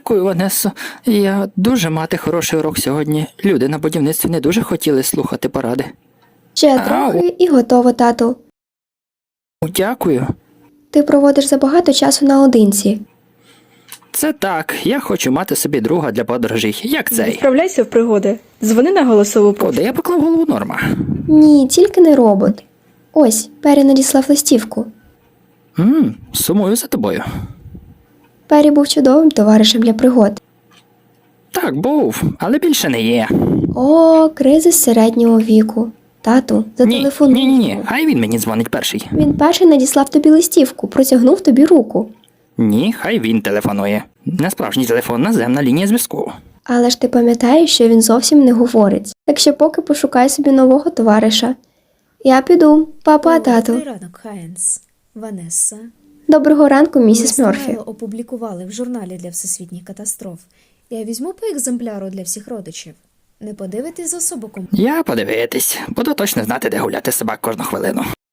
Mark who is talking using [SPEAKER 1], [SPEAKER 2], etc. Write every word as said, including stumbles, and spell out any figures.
[SPEAKER 1] Дякую, Ванесо. Я дуже мати хороший урок сьогодні. Люди на будівництві не дуже хотіли слухати поради.
[SPEAKER 2] Ще
[SPEAKER 1] Ау.
[SPEAKER 2] трохи і готово, тату.
[SPEAKER 1] Дякую.
[SPEAKER 2] Ти проводиш забагато часу наодинці.
[SPEAKER 1] Це так, я хочу мати собі друга для подорожей, як цей.
[SPEAKER 3] Відправляйся в пригоди. Дзвони на голосову пошту.
[SPEAKER 1] Куди я поклав голову Норма?
[SPEAKER 2] Ні, тільки не робот. Ось, Пері надіслав листівку.
[SPEAKER 1] Ммм, сумую за тобою.
[SPEAKER 2] Пері був чудовим товаришем для пригод.
[SPEAKER 1] Так, був, але більше не є.
[SPEAKER 2] О, кризис середнього віку. Тату,
[SPEAKER 1] Ні,
[SPEAKER 2] зателефонуй.
[SPEAKER 1] ні, ні, ні, хай він мені дзвонить перший.
[SPEAKER 2] Він перший надіслав тобі листівку, протягнув тобі руку.
[SPEAKER 1] Ні, хай він телефонує. Не справжній телефон, наземна лінія зв'язку.
[SPEAKER 2] Але ж ти пам'ятаєш, що він зовсім не говорить. Так що поки пошукай собі нового товариша. Я піду. Па-па, тату.
[SPEAKER 4] Добрий ранок, Хайнс. Ванесса.
[SPEAKER 2] Доброго ранку, місіс
[SPEAKER 4] Лист
[SPEAKER 2] Мерфі.
[SPEAKER 4] Майл опублікували в журналі для всесвітніх катастроф. Я візьму по екземпляру для всіх родичів. Не подивитись за особоком.
[SPEAKER 1] Я подивитись, буду точно знати, де гуляти собак кожну хвилину.